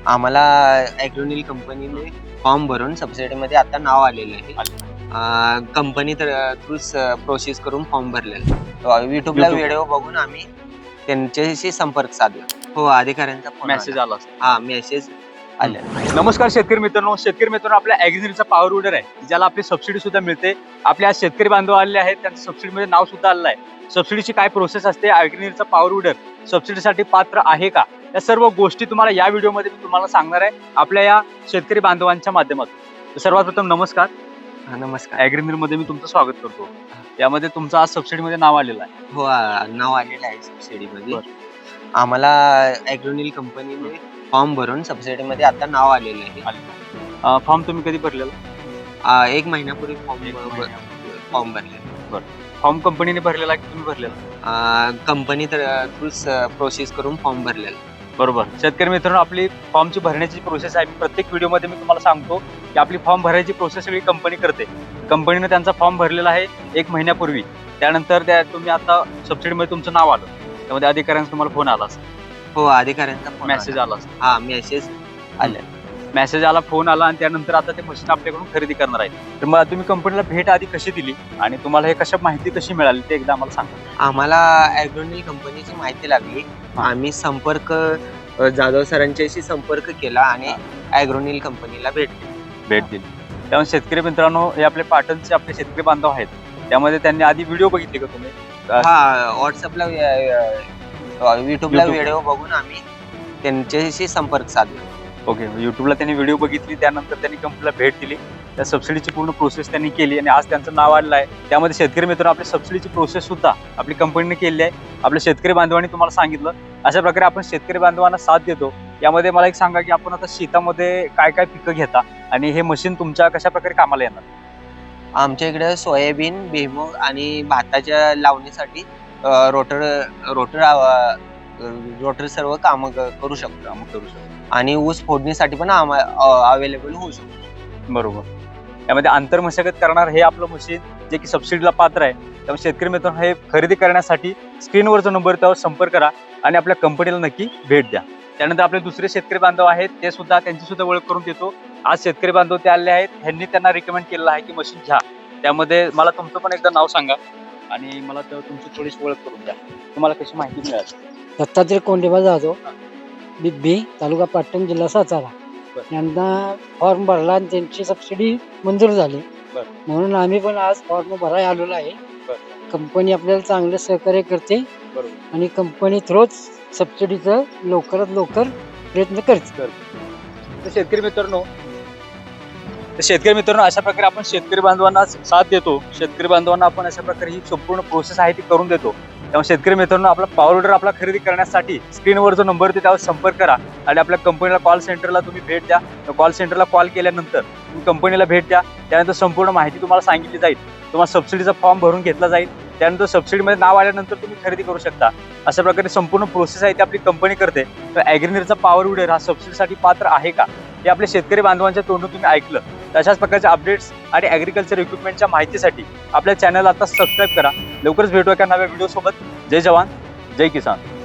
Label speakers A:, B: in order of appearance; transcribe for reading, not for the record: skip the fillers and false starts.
A: आम्हाला ॲग्रोनिल कंपनीने फॉर्म भरून सबसिडीमध्ये आता नाव आलेलं आहे. कंपनी थ्रूच प्रोसेस करून फॉर्म भरलेला. युट्यूबला व्हिडिओ बघून आम्ही त्यांच्याशी संपर्क साधला. हो, अधिकाऱ्यांचा फोन
B: मेसेज आला.
A: हा मेसेज आले.
B: नमस्कार शेतकरी मित्रांनो, आपल्या ॲग्रीचा पॉवर विडर आहे, ज्याला आपली सबसिडी सुद्धा मिळते. आपल्या आज शेतकरी बांधव आलेले आहेत, त्यांचं सबसिडीमध्ये नाव सुद्धा आलेलं आहे. सबसिडीची काय प्रोसेस असते, ॲग्रीचा पॉवर विडर सबसिडीसाठी पात्र आहे का, या सर्व गोष्टी तुम्हाला या व्हिडिओमध्ये मी तुम्हाला सांगणार आहे, आपल्या या शेतकरी बांधवांच्या माध्यमातून. सर्वात प्रथम नमस्कार.
A: नमस्कार.
B: ॲग्रीमध्ये मी तुमचं स्वागत करतो. यामध्ये तुमचं आज सबसिडीमध्ये नाव आलेलं आहे.
A: हो, नाव आलेलं आहे सबसिडीमध्ये. आम्हाला ॲग्रोनिल कंपनीने फॉर्म भरून सबसिडीमध्ये आता नाव आलेलं आहे.
B: फॉर्म तुम्ही कधी भरलेला?
A: 1 महिन्यापूर्वी फॉर्म भरलेला.
B: फॉर्म कंपनीने भरलेला की तुम्ही भरलेला?
A: कंपनी थ्रूच प्रोसेस करून फॉर्म भरलेला.
B: बरोबर. शेतकरी मित्रांनो, आपली फॉर्मची भरण्याची प्रोसेस आहे. प्रत्येक व्हिडिओमध्ये मी तुम्हाला सांगतो की आपली फॉर्म भरायची प्रोसेस सगळी कंपनी करते. कंपनीने त्यांचा फॉर्म भरलेला आहे 1 महिन्यापूर्वी. त्यानंतर तुम्ही आता सबसिडीमध्ये तुमचं नाव आलं, त्यामध्ये अधिकाऱ्यांचा तुम्हाला फोन आला असेल.
A: हो, अधिकाऱ्यांचा फोन
B: मेसेज आला असेल.
A: हा मेसेज आले.
B: मेसेज आला, फोन आला, आणि त्यानंतर आता ते मशीन आपल्याकडून खरेदी करणार आहे. तर मग तुम्ही कंपनीला भेट आधी कशी दिली आणि तुम्हाला हे कशा माहिती कशी मिळाली ते एकदा आम्हाला सांगा.
A: आम्हाला ॲग्रोनिल कंपनीची माहिती लागली. आम्ही जाधव सरांच्याशी संपर्क केला आणि ॲग्रोनिल कंपनीला भेट दिली.
B: त्यामुळे शेतकरी मित्रांनो, हे आपले पाटणचे आपले शेतकरी बांधव आहेत, त्यामध्ये त्यांनी आधी व्हिडिओ बघितले का तुम्ही?
A: हा, व्हॉट्सअपला युट्यूबला व्हिडिओ बघून आम्ही त्यांच्याशी संपर्क साधला.
B: ओके. युट्यूबला त्यांनी व्हिडिओ बघितली, त्यानंतर त्यांनी कंपनीला भेट दिली, त्या सबसिडीची पूर्ण प्रोसेस त्यांनी केली आणि आज त्यांचं नाव आलेलं आहे. त्यामध्ये शेतकरी मित्रांनो, आपली सबसिडीची प्रोसेस सुद्धा आपली कंपनीने केली आहे. आपल्या शेतकरी बांधवांनी तुम्हाला सांगितलं, अशा प्रकारे आपण शेतकरी बांधवांना साथ देतो. यामध्ये मला एक सांगा की आपण आता शेतामध्ये काय काय पिकं घेता आणि हे मशीन तुमच्या कशा प्रकारे कामाला येणार?
A: आमच्या इकडे सोयाबीन, भुईमूग आणि भाताच्या लावणीसाठी रोटर सर्व काम करू शकतो. आणि ऊस फोडणीसाठी पण अवेलेबल होऊ शकतो.
B: बरोबर. यामध्ये आंतरमशागत करणार हे आपलं मशीन, जे की सबसिडीला पात्र आहे. त्यामुळे शेतकरी मित्रांनो, हे खरेदी करण्यासाठी स्क्रीनवर जो नंबर त्यावर संपर्क करा आणि आपल्या कंपनीला नक्की भेट द्या. त्यानंतर आपले दुसरे शेतकरी बांधव आहेत, ते सुद्धा त्यांची सुद्धा ओळख करून देतो. आज शेतकरी बांधव ते आले आहेत, ह्यांनी त्यांना रिकमेंड केलेलं आहे की मशीन घ्या. त्यामध्ये मला तुमचं पण एकदा नाव सांगा आणि मला तुमची थोडीशी ओळख करून द्या. तुम्हाला कशी माहिती मिळाली?
C: दत्तात्रय कोंडेबा जाधव, बिब्बी, तालुका पाटण, जिल्हा सातारा. यांना फॉर्म भरला आणि त्यांची सबसिडी मंजूर झाली, म्हणून आम्ही पण आज फॉर्म भरायला आलेलो आहे. कंपनी आपल्याला चांगलं सहकार्य करते आणि कंपनी थ्रूच सबसिडीचं लवकरात लवकर प्रयत्न करते.
B: शेतकरी मित्रांनो, अशा प्रकारे आपण शेतकरी बांधवांना साथ देतो. शेतकरी बांधवांना आपण अशा प्रकारे ही संपूर्ण प्रोसेस आहे ती करून देतो. त्यामुळे शेतकरी मित्रांनो, आपला पॉवर विडर आपला खरेदी करण्यासाठी स्क्रीनवर जो नंबर आहे त्यावर संपर्क करा आणि आपल्या कंपनीला कॉल सेंटरला तुम्ही भेट द्या. कॉल सेंटरला कॉल केल्यानंतर तुम्ही कंपनीला भेट द्या. त्यानंतर संपूर्ण माहिती तुम्हाला सांगितली जाईल. तुम्हाला सबसिडीचा फॉर्म भरून घेतला जाईल. त्यानंतर सबसिडीमध्ये नाव आल्यानंतर तुम्ही खरेदी करू शकता. अशा प्रकारे संपूर्ण प्रोसेस आहे ती आपली कंपनी करते. तर ॲग्रीचा पॉवर विडर हा सबसिडीसाठी पात्र आहे का, हे आपल्या शेतकरी बांधवांच्या तोंडून तुम्ही ऐकलं. तर अशाच प्रकारच्या अपडेट्स आणि ॲग्रिकल्चर इक्विपमेंटच्या माहितीसाठी आपल्या चॅनलला आता सबस्क्राईब करा. लवकरच भेटूया एका नव्या व्हिडिओ सोबत. जय जवान, जय किसान.